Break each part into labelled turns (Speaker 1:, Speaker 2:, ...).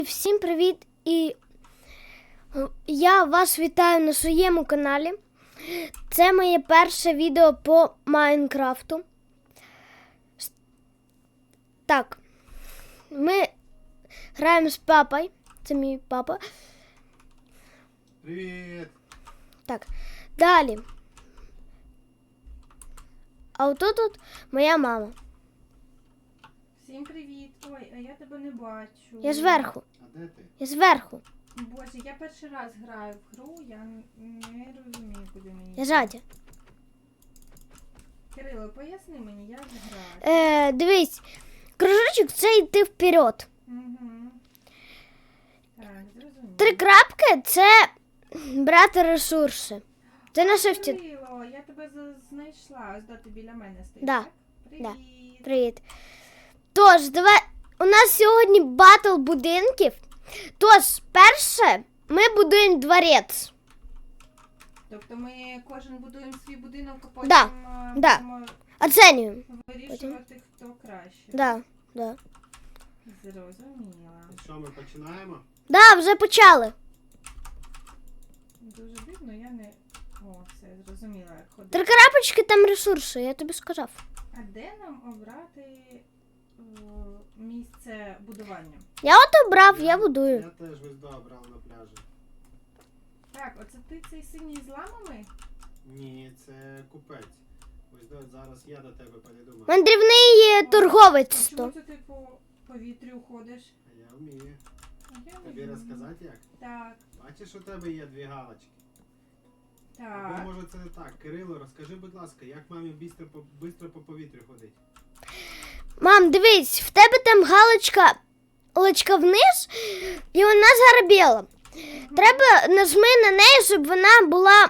Speaker 1: Всім привіт! І я вас вітаю на своєму каналі. Це моє перше відео по Майнкрафту. Так, ми граємо з папою. Це мій папа.
Speaker 2: Привіт!
Speaker 1: Так, далі. А отут тут моя мама.
Speaker 3: Всім привіт! Ой, а я тебе не бачу.
Speaker 1: Я зверху.
Speaker 2: А де ти?
Speaker 1: Я зверху.
Speaker 3: Боже, я перший раз граю в гру, я не розумію, куди мені.
Speaker 1: Я ззаді.
Speaker 3: Кирило, поясни мені, як грати.
Speaker 1: Дивись, кружочок це йти вперед.
Speaker 3: Угу. Так, зрозуміло.
Speaker 1: 3 крапки це брати ресурси. Це на шифті.
Speaker 3: Кирило, я тебе знайшла. Ось ти біля мене стоїш.
Speaker 1: Да.
Speaker 3: Так? Привіт.
Speaker 1: Привіт. Тож, давай. У нас сьогодні батл будинків. Тож, перше, ми будуємо дворець.
Speaker 3: Тобто ми кожен будуємо свій будинок, а потім
Speaker 1: Да, да.
Speaker 3: будемо
Speaker 1: Оцінюємо.
Speaker 3: вирішувати, хто краще.
Speaker 1: Да.
Speaker 3: Зрозуміла.
Speaker 2: Що, ми починаємо?
Speaker 1: Да, вже почали.
Speaker 3: Дуже дивно, я не... О, все, зрозуміла, як
Speaker 1: 3
Speaker 3: ходити.
Speaker 1: крапочки там ресурси, я тобі сказав.
Speaker 3: А де нам обрати місце будування?
Speaker 1: Я от обрав, я будую.
Speaker 2: Я теж ось добрав на пляжі.
Speaker 3: Так, оце ти цей синій з ламами?
Speaker 2: Ні, це купець. Ось зараз я до тебе перейду.
Speaker 1: Мандрівний торговець.
Speaker 3: Чому
Speaker 1: То.
Speaker 3: це ти по повітрю ходиш?
Speaker 2: А я вмію.
Speaker 3: А я не
Speaker 2: Тобі
Speaker 3: вмію.
Speaker 2: розказати як?
Speaker 3: Так,
Speaker 2: Бачиш, у тебе є 2 галочки. Або
Speaker 3: так.
Speaker 2: може це не так. Кирило, розкажи, будь ласка, як мамі бистро по повітрю ходить?
Speaker 1: Мам, дивись, в тебе там галочка вниз, і вона загарбіла. Треба нажми на неї, щоб вона була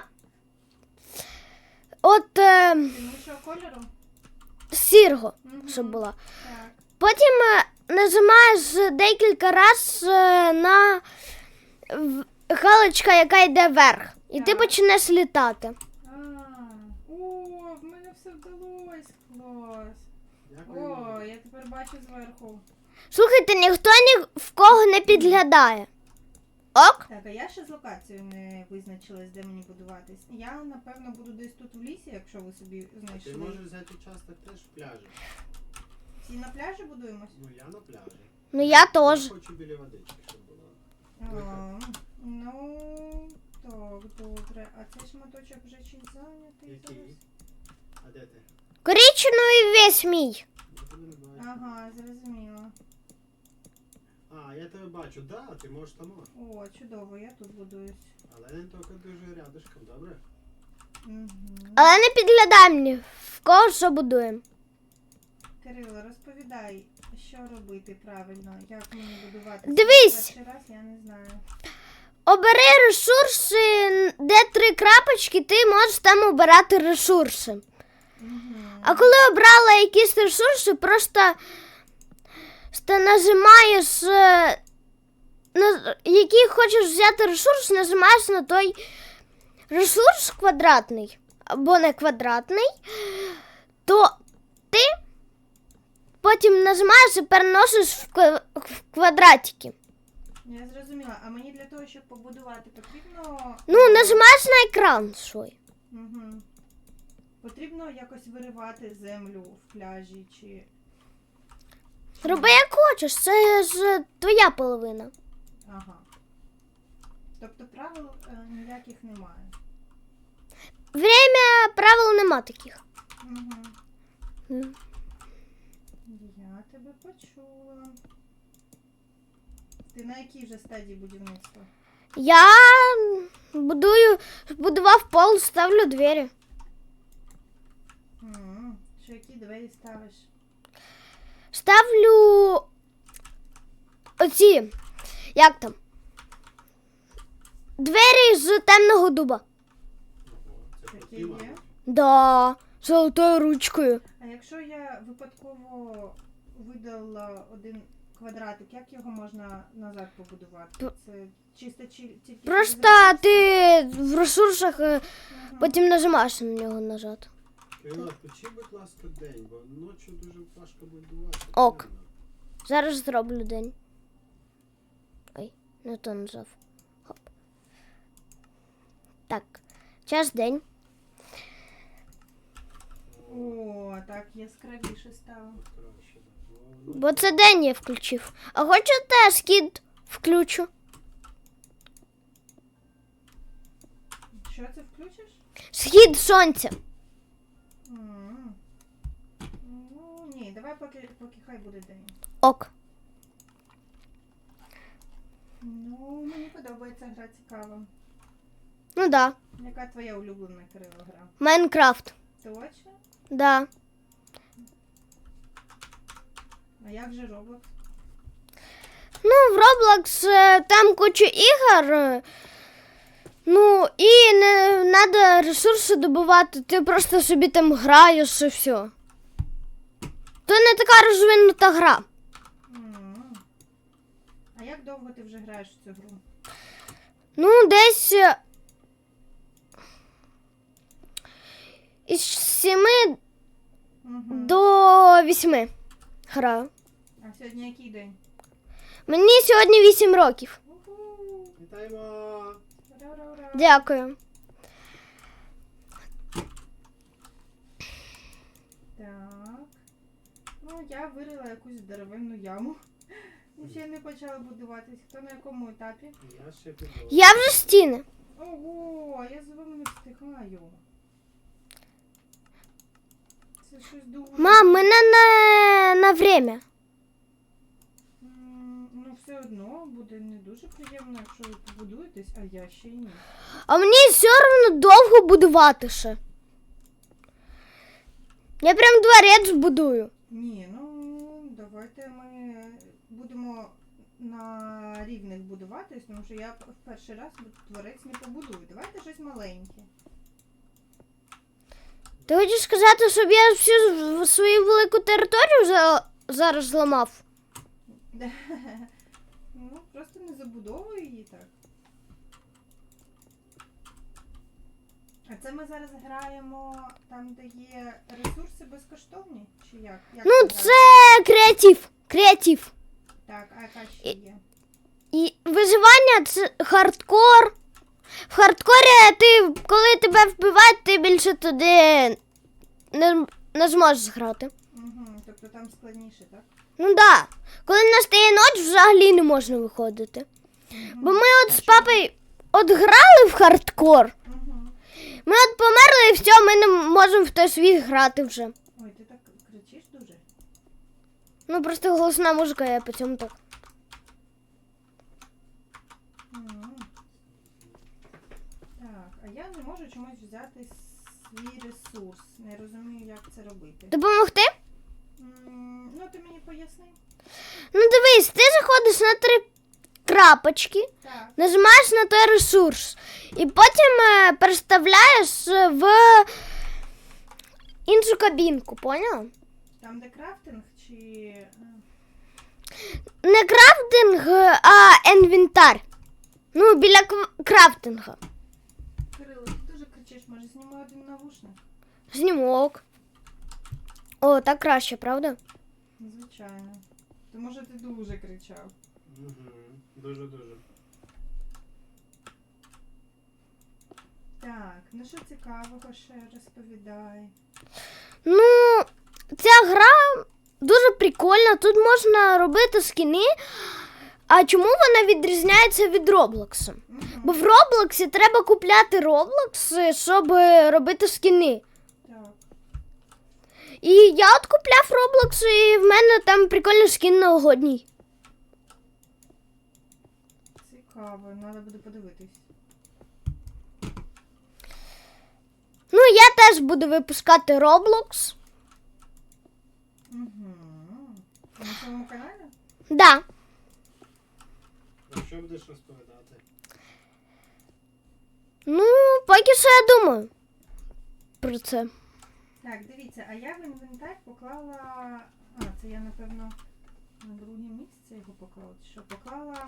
Speaker 1: от
Speaker 3: Іншого кольору?
Speaker 1: сірого,
Speaker 3: Мгм.
Speaker 1: щоб була.
Speaker 3: Так.
Speaker 1: Потім нажимаєш декілька разів на галочка, яка йде вверх. І ти
Speaker 3: Так.
Speaker 1: почнеш літати.
Speaker 3: О, в мене все вдалося. Клас.
Speaker 2: Дякую.
Speaker 3: О, я тепер бачу зверху.
Speaker 1: Слухайте, ніхто ні в кого не підглядає. Ок?
Speaker 3: Так, а я ще з локацією не визначилась, де мені будуватись. Я, напевно, буду десь тут в лісі, якщо ви собі
Speaker 2: Ти
Speaker 3: знайшли.
Speaker 2: можеш взяти участок теж в пляжі.
Speaker 3: Всі на пляжі будуємось?
Speaker 2: Ну я на пляжі.
Speaker 1: Ну я теж.
Speaker 2: Я хочу біля водички, щоб було.
Speaker 3: А, ну, так, добре. А цей шматочок вже чись зайнятий
Speaker 2: Який?
Speaker 3: зараз?
Speaker 2: А де ти?
Speaker 1: Коричневий весь мій.
Speaker 2: Я тебе не бачу.
Speaker 3: Ага, зрозуміла.
Speaker 2: А, я тебе бачу. Да, ти можеш там.
Speaker 3: О, чудово, я тут будуюсь.
Speaker 2: Але не тільки дуже рядышком, добре?
Speaker 3: Угу.
Speaker 1: Але не підглядай мені, в кого що будуємо.
Speaker 3: Кирило, розповідай, що робити правильно, як мені будувати.
Speaker 1: Дивись!
Speaker 3: Перший раз я не знаю.
Speaker 1: Обери ресурси, де 3 крапочки, ти можеш там обирати ресурси.
Speaker 3: Угу.
Speaker 1: А коли обрала якісь ресурси, просто нажимаєш, який хочеш взяти ресурс, нажимаєш на той ресурс квадратний, або не квадратний, то ти потім нажимаєш і переносиш в квадратики.
Speaker 3: Я зрозуміла. А мені для того, щоб побудувати, потрібно...
Speaker 1: Ну, нажимаєш на екран свій.
Speaker 3: Угу. Потрібно якось виривати землю в пляжі чи...
Speaker 1: Роби як хочеш, це ж твоя половина.
Speaker 3: Ага. Тобто правил ніяких немає.
Speaker 1: Правил нема таких.
Speaker 3: Угу. Я тебе почула. Ти на якій вже стадії будівництва?
Speaker 1: Я будував пол, ставлю двері.
Speaker 3: Що які двері ставиш?
Speaker 1: Ставлю оці, як там? Двері з темного дуба.
Speaker 2: Ого, це
Speaker 3: Такі
Speaker 2: круті,
Speaker 3: є?
Speaker 2: мабуть.
Speaker 1: Да, золотою ручкою.
Speaker 3: А якщо я випадково видала один квадратик, як його можна назад побудувати? Це чисто тільки...
Speaker 1: Просто ти в ресурсах потім нажимаєш на нього назад.
Speaker 2: Кирило, включи, будь ласка, день, бо ночі дуже важко будувати.
Speaker 1: Ок. Зараз зроблю день. Не то нажав. Хоп. Так, час день.
Speaker 3: О, так яскравіше стало.
Speaker 2: Краще, так.
Speaker 1: Бо це день я включив. А хочете схід включу?
Speaker 3: Що це включиш?
Speaker 1: Схід сонця.
Speaker 3: М. Ну, ні, давай поки хай буде день.
Speaker 1: Ок.
Speaker 3: Ну, мені подобається гра, цікава.
Speaker 1: Ну да.
Speaker 3: Яка твоя улюблена, Кирило, гра?
Speaker 1: Майнкрафт.
Speaker 3: Точно?
Speaker 1: Да.
Speaker 3: А як же Roblox?
Speaker 1: Ну, в Roblox там куча ігор. Ну, і не треба ресурси добувати. Ти просто собі там граєш і все. То не така розвинута гра.
Speaker 3: М. А як довго ти вже граєш в цю гру?
Speaker 1: Ну, десь із 7
Speaker 3: Угу.
Speaker 1: до 8 граю.
Speaker 3: А сьогодні який день?
Speaker 1: Мені сьогодні 8 років.
Speaker 3: Уху!
Speaker 2: Вітаємо!
Speaker 3: Ура-ура-ура!
Speaker 1: Дякую.
Speaker 3: Так. Ну, я вирила якусь здоровенну яму. І ще не почала будуватись. Хто на якому етапі?
Speaker 2: Я ще піду.
Speaker 1: Я вже стіни.
Speaker 3: Ого, я за вами не встигаю. Це щось дуже.
Speaker 1: Мам, мене на время.
Speaker 3: Ну, все одно буде не дуже приємно, якщо ви побудуєтесь, а я ще й ні.
Speaker 1: А мені все одно довго будувати ще. Я прям дворець будую.
Speaker 3: Ні, ну давайте ми будемо на рівних будуватись, тому що я в перший раз творець не побудую. Давайте щось маленьке.
Speaker 1: Ти хочеш сказати, щоб я всю свою велику територію зараз зламав?
Speaker 3: Ну, просто не забудовуй її так. А це ми зараз граємо там, де є ресурси безкоштовні? Чи як? Як
Speaker 1: Ну,
Speaker 3: це
Speaker 1: це креатив. Креатив.
Speaker 3: так, а яка ще є?
Speaker 1: І виживання це хардкор. В хардкорі ти, коли тебе вбивають, ти більше туди не зможеш грати.
Speaker 3: Угу, тобто там складніше, так?
Speaker 1: Ну да. Коли настає ніч, взагалі не можна виходити. Бо ми от з папою от грали в хардкор.
Speaker 3: Угу.
Speaker 1: Ми от померли і все, ми не можемо в той світ грати вже.
Speaker 3: Ой, ти так кричиш дуже?
Speaker 1: Ну просто голосна музика, я по цьому так.
Speaker 3: Мгм. Так, а я не можу чомусь взяти свій ресурс. Не розумію, як це робити.
Speaker 1: Допомогти?
Speaker 3: Ну, ти мені поясни.
Speaker 1: Ну дивись, ти заходиш на 3 крапочки,
Speaker 3: Так.
Speaker 1: нажимаєш на той ресурс і потім переставляєш в іншу кабінку, поняла?
Speaker 3: Там, де крафтинг чи.
Speaker 1: Не крафтинг, а інвентар. Ну, біля крафтинга.
Speaker 3: Кирило, ти дуже кричиш, може знімаю один навушник?
Speaker 1: Знімок. О, так краще, правда?
Speaker 3: Звичайно. То може ти дуже кричав.
Speaker 2: Угу. Дуже-дуже.
Speaker 3: Так, ну що цікавого ще розповідай.
Speaker 1: Ну, ця гра дуже прикольна. Тут можна робити скіни. А чому вона відрізняється від Роблоксу? Бо в Роблоксі треба купляти Роблокс, щоб робити скіни.
Speaker 3: Так.
Speaker 1: І я от купляв Роблокс, і в мене там прикольний скін новогодній.
Speaker 3: Цікаво, треба буде подивитись.
Speaker 1: Ну, я теж буду випускати Роблокс.
Speaker 3: Угу. На своєму каналі?
Speaker 1: Да.
Speaker 2: Про що будеш розповідати?
Speaker 1: Ну, поки що я думаю про це.
Speaker 3: Так, дивіться, а я в інвентар поклала. А, це я, напевно, на друге місце його поклала. Чи що? Поклала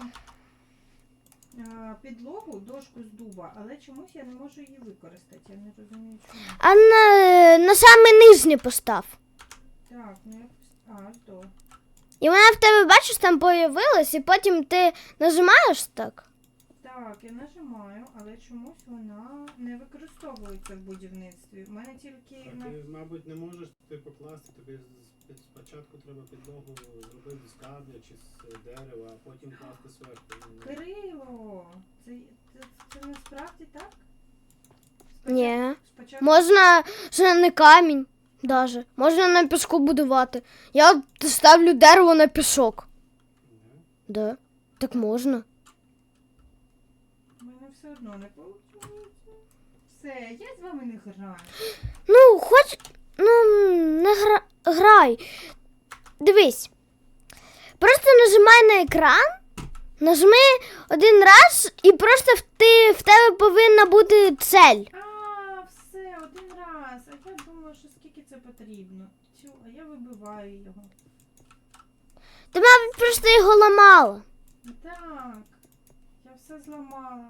Speaker 3: підлогу, дошку з дуба, але чомусь я не можу її використати. Я не розумію, чому.
Speaker 1: А на саме нижнє постав.
Speaker 3: Так, ну якось. А, аж до.
Speaker 1: І вона в тебе, бачиш, там появилась, і потім ти нажимаєш так.
Speaker 3: Так, я нажимаю, але чомусь вона не використовується в будівництві. У мене тільки
Speaker 2: А
Speaker 3: на...
Speaker 2: ти, мабуть, не можеш ти покласти, тобі спочатку треба підлогу зробити з камня чи з дерева, а потім класти зверху. Ну,
Speaker 3: Кирило! Це насправді так?
Speaker 1: Ні.
Speaker 3: Спочатку...
Speaker 1: Можна ще не камінь даже. Можна на піску будувати. Я от ставлю дерево на пісок.
Speaker 2: не.
Speaker 1: Да, так можна.
Speaker 3: У мене все одно не виходить. Все, я з вами не граю.
Speaker 1: Ну, хоч. Ну, не грай. Дивись. Просто нажимай на екран, нажми один раз і просто в тебе повинна бути цель.
Speaker 3: А, все, один раз. А я думала, що скільки це потрібно. Цю, а я вибиваю його.
Speaker 1: Ти, мабуть, просто його ламала.
Speaker 3: Так, я все зламала.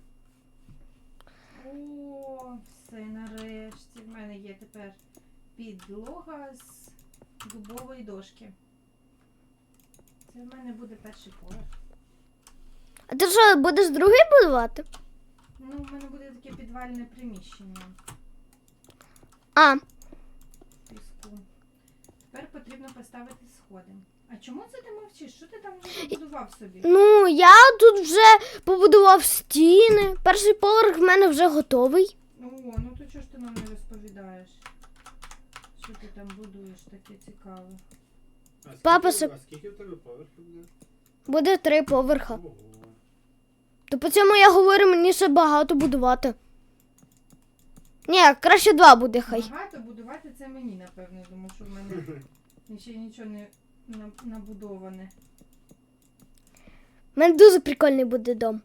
Speaker 3: О, все, нарешті. В мене є тепер підлога з дубової дошки. Це в мене буде перший поверх.
Speaker 1: А ти що, будеш другий будувати?
Speaker 3: Ну, в мене буде таке підвальне приміщення
Speaker 1: А,
Speaker 3: піску. Тепер потрібно поставити сходи. А чому це ти мовчиш? Що ти там вже побудував собі?
Speaker 1: ну я тут вже побудував стіни. Перший поверх в мене вже готовий.
Speaker 3: О, ну то чого ж ти нам не розповідаєш? Що ти там будуєш таке цікаве?
Speaker 2: А скільки,
Speaker 1: Папа,
Speaker 2: а скільки в тебе поверхів буде?
Speaker 1: Буде 3 поверха.
Speaker 2: Ого.
Speaker 1: То по цьому я говорю, мені ще багато будувати. Ні, краще 2 буде хай.
Speaker 3: Багато будувати це мені, напевно, тому що в мене ще нічого не набудоване.
Speaker 1: У мене дуже прикольний буде дом.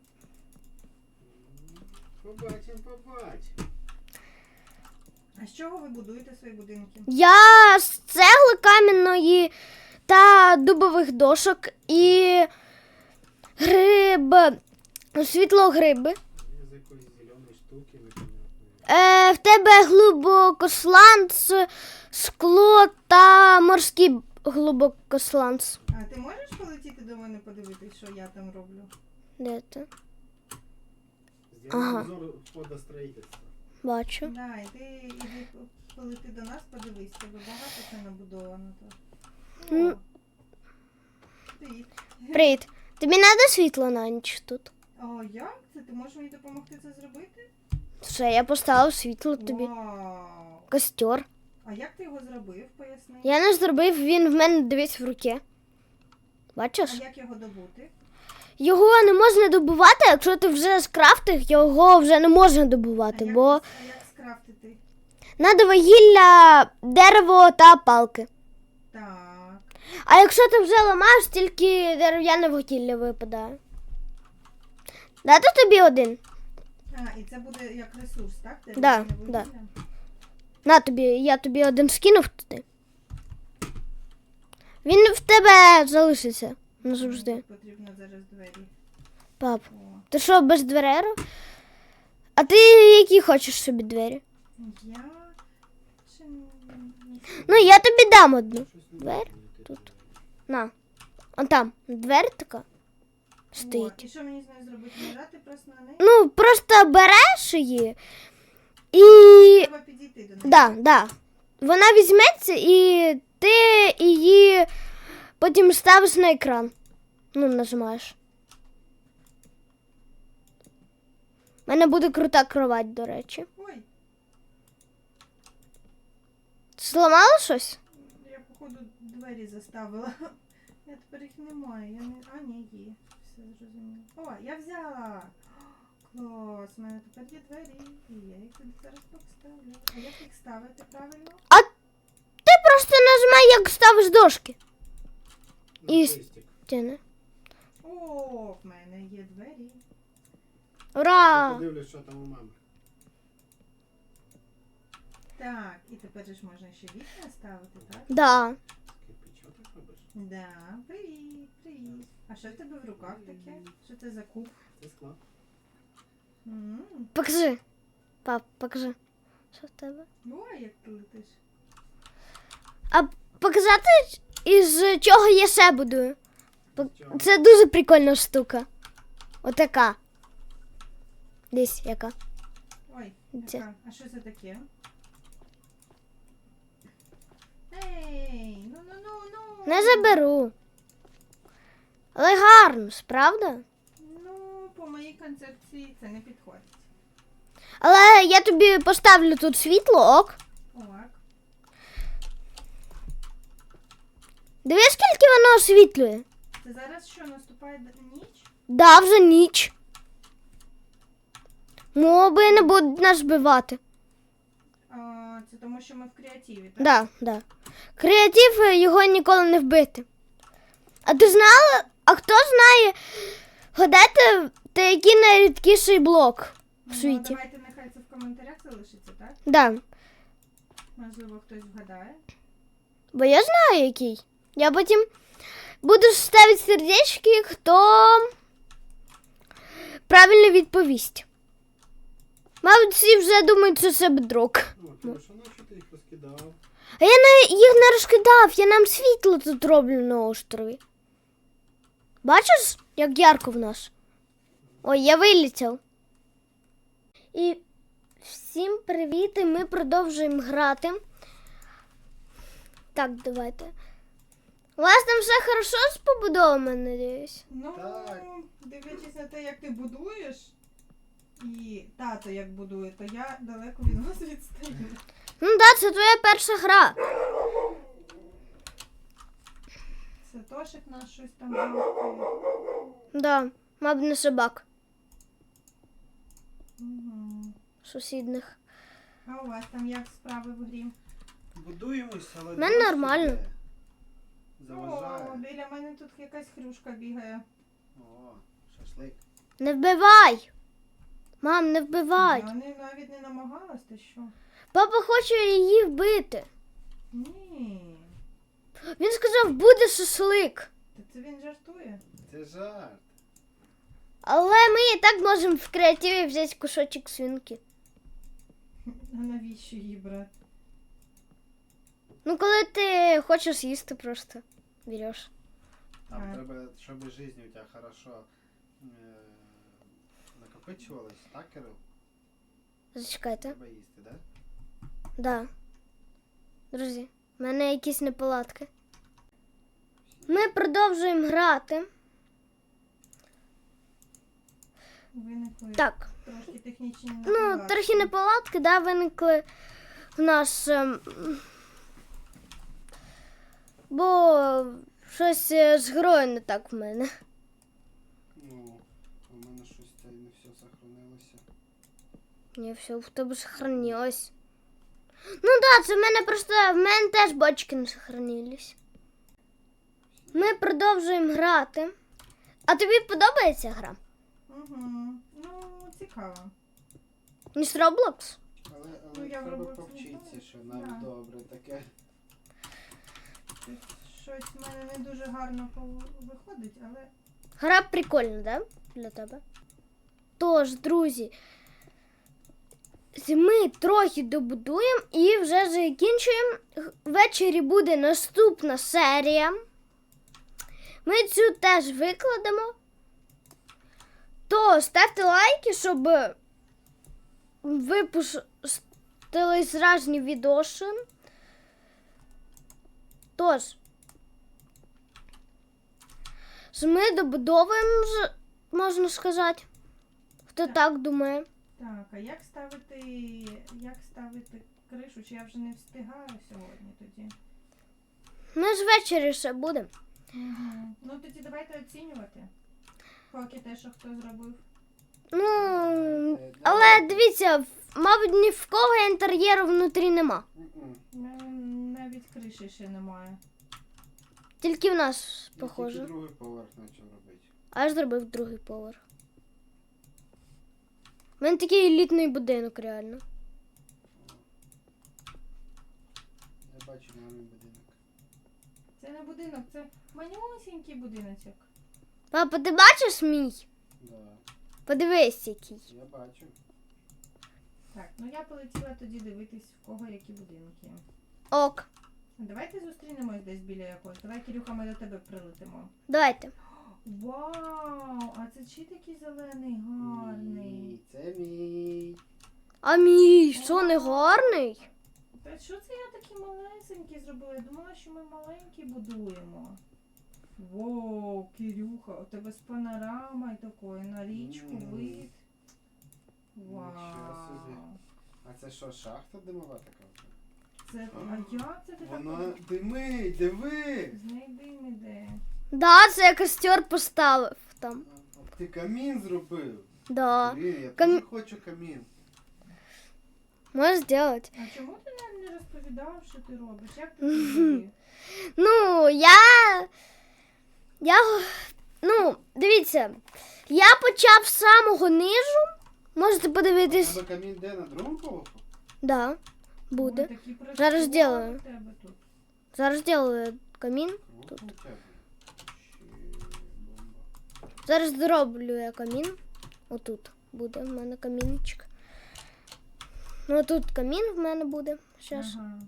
Speaker 2: Побачимо.
Speaker 3: А з чого ви будуєте свої будинки?
Speaker 1: Я з цегли кам'яної та дубових дошок і світлогриби.
Speaker 2: Я з якоїсь зеленої штуки непонятної.
Speaker 1: В тебе глибокосланц, скло та морський глибокосланц.
Speaker 3: А ти можеш полетіти до мене подивитись, що я там роблю?
Speaker 1: Де ти?
Speaker 2: Зробимо
Speaker 1: Ага.
Speaker 2: обзор входостроїтельства.
Speaker 1: Бачу.
Speaker 3: Да, іди полети до нас, подивись, тебе багато це набудовано тут.
Speaker 1: Ну.
Speaker 3: О, привіт.
Speaker 1: Привіт. Тобі треба світло на ніч тут?
Speaker 3: О, як це? Ти можеш мені допомогти це зробити?
Speaker 1: Все, я поставив світло тобі.
Speaker 3: Вау.
Speaker 1: Костер.
Speaker 3: А як ти його зробив, поясни?
Speaker 1: Я не зробив, він в мене дивись в руці.
Speaker 3: А
Speaker 1: Бачиш?
Speaker 3: як його добути?
Speaker 1: Його не можна добувати, якщо ти вже скрафтив, його вже не можна добувати,
Speaker 3: А
Speaker 1: бо
Speaker 3: як скрафтити?
Speaker 1: треба вугілля, дерево та палки.
Speaker 3: Так.
Speaker 1: А якщо ти вже ламаєш, тільки дерев'яне вугілля випадає. Дати тобі один?
Speaker 3: А, і це буде як ресурс, так? Ти
Speaker 1: Да,
Speaker 3: вугілля?
Speaker 1: да. На тобі, я тобі один скинув туди. Він в тебе залишиться назавжди.
Speaker 3: Потрібно зараз двері.
Speaker 1: Пап,
Speaker 3: О.
Speaker 1: ти що, без дверей? А ти які хочеш собі двері?
Speaker 3: Я... Чи...
Speaker 1: Ну, я тобі дам одну.
Speaker 2: Щось не
Speaker 1: Двері
Speaker 2: знаю,
Speaker 1: тут.
Speaker 2: ти-
Speaker 1: На. Он там двері така
Speaker 3: О,
Speaker 1: стоїть.
Speaker 3: і що мені з нею зробити? Нажати просто на неї?
Speaker 1: Ну, просто береш її і.
Speaker 3: Треба підійти до неї.
Speaker 1: Да. Вона візьметься і ти її потім ставиш на екран. Ну, нажимаєш. У мене буде крута кровать, до речі.
Speaker 3: Ой,
Speaker 1: Зламала щось?
Speaker 3: я походу двері заставила. Я тепер їх немає. Я не... А, ні, є. Все зрозуміло. О, я взяла. Клас, у мене тепер є двері. І я їх тут зараз поставлю. А як їх ставити правильно?
Speaker 1: Ти просто нажимай, як ставиш дошки.
Speaker 2: На
Speaker 1: І-
Speaker 2: хрестик.
Speaker 1: Тяни.
Speaker 3: О, в мене є двері.
Speaker 2: Я
Speaker 1: Ура!
Speaker 2: подивлюсь, що там у мами.
Speaker 3: Так, і тепер же ж можна ще вікна ставити, так?
Speaker 1: Да.
Speaker 2: Кирпичок так робиш?
Speaker 3: Да, привіт. А що в тебе в руках таке? Що це за куб?
Speaker 2: Це склад.
Speaker 3: М.
Speaker 1: Покажи. Пап, покажи. Що в тебе?
Speaker 3: Ой, як ти летиш.
Speaker 1: А показати, із чого я ще будую.
Speaker 2: Чого?
Speaker 1: Це дуже прикольна штука. Отака. Десь яка.
Speaker 3: Ой,
Speaker 1: Це.
Speaker 3: яка? А що це таке? Ей, ну.
Speaker 1: Не заберу. Але гарно, правда?
Speaker 3: Ну, по моїй концепції це не підходить.
Speaker 1: Але я тобі поставлю тут світло, ок.
Speaker 3: Так.
Speaker 1: Диви, скільки воно освітлює.
Speaker 3: Це зараз що, наступає ніч?
Speaker 1: Да, вже ніч. Моби не будуть нас вбивати.
Speaker 3: Це тому, що ми в креативі, так?
Speaker 1: Да. Креатив його ніколи не вбити. А ти знала, а хто знає, гадайте, який найрідкіший блок в світі?
Speaker 3: Ну, давайте нехай це в коментарях залишиться, так?
Speaker 1: Да.
Speaker 3: Можливо, хтось вгадає.
Speaker 1: Бо я знаю, який. Я потім буду ставити сердечки, хто правильно відповість. Мабуть, всі вже думають, що це бедрок.
Speaker 2: Ну, Кирюша, нащо ти їх розкидав?
Speaker 1: А я їх не розкидав, я нам світло тут роблю на острові. Бачиш, як ярко в нас? Ой, я вилетів. І всім привіт, і ми продовжуємо грати. Так, давайте. У вас там все хорошо з побудовами, надіюсь?
Speaker 3: Ну,
Speaker 2: Так.
Speaker 3: дивлячись на те, як ти будуєш, і тато як будує, то я далеко від вас відстаю.
Speaker 1: Ну так, це твоя перша гра.
Speaker 3: Це Тошик наш щось там гавкає.
Speaker 1: Да, мабуть, не собак
Speaker 3: Угу.
Speaker 1: сусідних.
Speaker 3: А у вас там як справи в грі?
Speaker 2: Будуємось, але
Speaker 1: В мене
Speaker 2: дощ
Speaker 1: нормально.
Speaker 2: іде.
Speaker 3: О,
Speaker 2: Заважає.
Speaker 3: біля мене тут якась хрюшка бігає.
Speaker 2: О, шашлик.
Speaker 1: Не вбивай! Мам, не вбивай!
Speaker 3: Я навіть не намагалась, ти що?
Speaker 1: Папа хоче її вбити.
Speaker 3: Ні.
Speaker 1: Він сказав, буде шашлик.
Speaker 3: Та це він жартує.
Speaker 2: Це жарт.
Speaker 1: Але ми і так можемо в креативі взяти кусочок свинки.
Speaker 3: А навіщо її брати?
Speaker 1: Ну, коли ти хочеш їсти, просто береш.
Speaker 2: Там
Speaker 3: Так.
Speaker 2: треба, щоб життя у тебе хорошо накопичувалась, так, Кирил?
Speaker 1: Зачекайте.
Speaker 2: Треба їсти, так?
Speaker 1: Да. Друзі, в мене якісь неполадки. Ми продовжуємо грати.
Speaker 3: Виникли
Speaker 1: Так.
Speaker 3: трошки технічні
Speaker 1: Ну,
Speaker 3: неполадки.
Speaker 1: трохи неполадки, да, виникли в нас. Бо щось з грою не так в мене.
Speaker 2: Ну, у мене щось це не все сохранилося.
Speaker 1: Ні, все в тебе сохранилось. Ну да, це в мене просто, в мене теж бочки не сохранились. Ми продовжуємо грати. А тобі подобається гра?
Speaker 3: Угу. Ну, цікаво.
Speaker 1: Ніж Roblox?
Speaker 2: Але
Speaker 3: Ну, я
Speaker 2: треба
Speaker 3: в Roblox не
Speaker 2: повчитися,
Speaker 3: граю.
Speaker 2: що навіть
Speaker 3: Да.
Speaker 2: добре таке.
Speaker 3: Тут щось в мене не дуже гарно виходить, але
Speaker 1: Гра прикольна, да? Для тебе. Тож, друзі, ми трохи добудуємо і вже закінчуємо. Ввечері буде наступна серія. Ми цю теж викладемо. То ставте лайки, щоб випустили зразні відоси. Тож, ми добудовуємо, можна сказати. Хто так думає?
Speaker 3: так, а як ставити кришу? Чи я вже не встигаю сьогодні тоді?
Speaker 1: Ми ж ввечері ще будемо.
Speaker 3: Угу. Ну тоді давайте оцінювати. Поки те, що хто зробив.
Speaker 1: Ну, але дивіться, мабуть, ні в кого інтер'єру внутрі нема.
Speaker 3: Навіть криші ще немає.
Speaker 1: Тільки в нас,
Speaker 2: Я
Speaker 1: похоже.
Speaker 2: тільки другий поверх почав робити.
Speaker 1: А я ж зробив другий поверх. У мене такий елітний будинок, реально.
Speaker 2: Я бачу мамин будинок.
Speaker 3: Це не будинок, це манюсінький будиночок.
Speaker 1: Папа, ти бачиш мій?
Speaker 2: Да,
Speaker 1: Подивись, який.
Speaker 2: я бачу.
Speaker 3: Так, ну я полетіла тоді дивитись, в кого які будинки.
Speaker 1: Ок.
Speaker 3: Давайте зустрінемось десь біля якогось. Давай, Кирюха, ми до тебе прилетимо.
Speaker 1: Давайте.
Speaker 3: Вау! А це чи такий зелений гарний?
Speaker 2: Ні, це мій.
Speaker 1: А мій, що не гарний?
Speaker 3: Та що це я такі малесенькі зробила? Я думала, що ми маленькі будуємо. Воу, Кирюха, у тебе з панорамою такою, на річку вид.
Speaker 2: Нічого собі.
Speaker 3: Вау.
Speaker 2: А це що, шахта димова така?
Speaker 3: Це, а як це ти так?
Speaker 2: Вона димить, диви!
Speaker 3: З неї дим іде.
Speaker 1: Да, це я костер поставив там.
Speaker 2: Ти камін зробив.
Speaker 1: Да.
Speaker 2: Блін, я
Speaker 1: Кам-
Speaker 2: теж хочу камін.
Speaker 1: Можеш зробити.
Speaker 3: А чому ти нам не розповідав, що ти робиш? Як ти це зробив?
Speaker 1: Ну, ну, дивіться, я почав з самого низу. Можете
Speaker 2: У
Speaker 1: подивитись.
Speaker 2: тебе камін де, на другому поверху?
Speaker 1: Да, буде.
Speaker 3: Ой, такі
Speaker 1: Зараз
Speaker 3: працювали
Speaker 1: зроблю.
Speaker 3: в тебе тут.
Speaker 1: Зараз зроблю камін.
Speaker 2: Круто у тебе. Ще бомба.
Speaker 1: Зараз зроблю я камін. Отут буде в мене камінчик. Ну, тут камін в мене буде. Щас.
Speaker 3: Ага.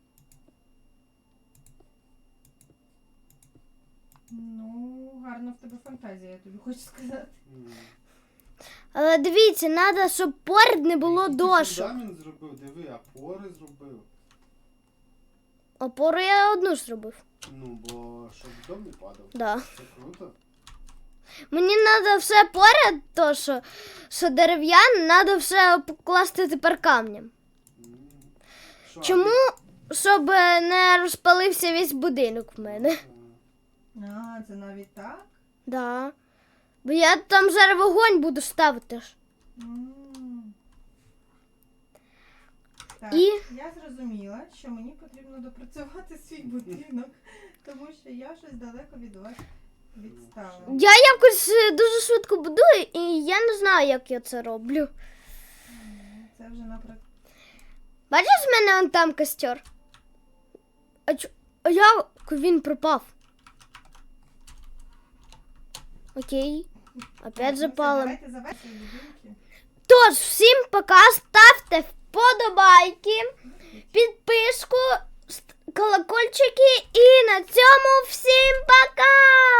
Speaker 3: Ну, гарна в тебе фантазія, я тобі хочу сказати.
Speaker 2: М.
Speaker 1: Але дивіться, треба, щоб поряд не було
Speaker 2: Який ти
Speaker 1: дошок.
Speaker 2: фундамент зробив, диви, опори зробив.
Speaker 1: Опору я одну зробив.
Speaker 2: Ну, бо щоб дом не падав.
Speaker 1: Да.
Speaker 2: Це круто.
Speaker 1: Мені треба все поряд, то що дерев'яне, треба все покласти тепер камнем.
Speaker 2: М. Що,
Speaker 1: Чому? Щоб не розпалився весь будинок в мене.
Speaker 3: А, це навіть так?
Speaker 1: Да. Бо я там зараз вогонь буду ставити ж.
Speaker 3: М. Так,
Speaker 1: І?
Speaker 3: я зрозуміла, що мені потрібно допрацювати свій будинок, тому що я щось далеко від вас відстала.
Speaker 1: Я якось дуже швидко будую, і я не знаю, як я це роблю.
Speaker 3: Це вже наприклад.
Speaker 1: Бачиш, в мене он там костер? А як він пропав? Окей. Опять запалим.
Speaker 3: Давайте завершимо будинки.
Speaker 1: Тож, всім пока, ставте вподобайки, підписку, колокольчики і на цьому всім пока!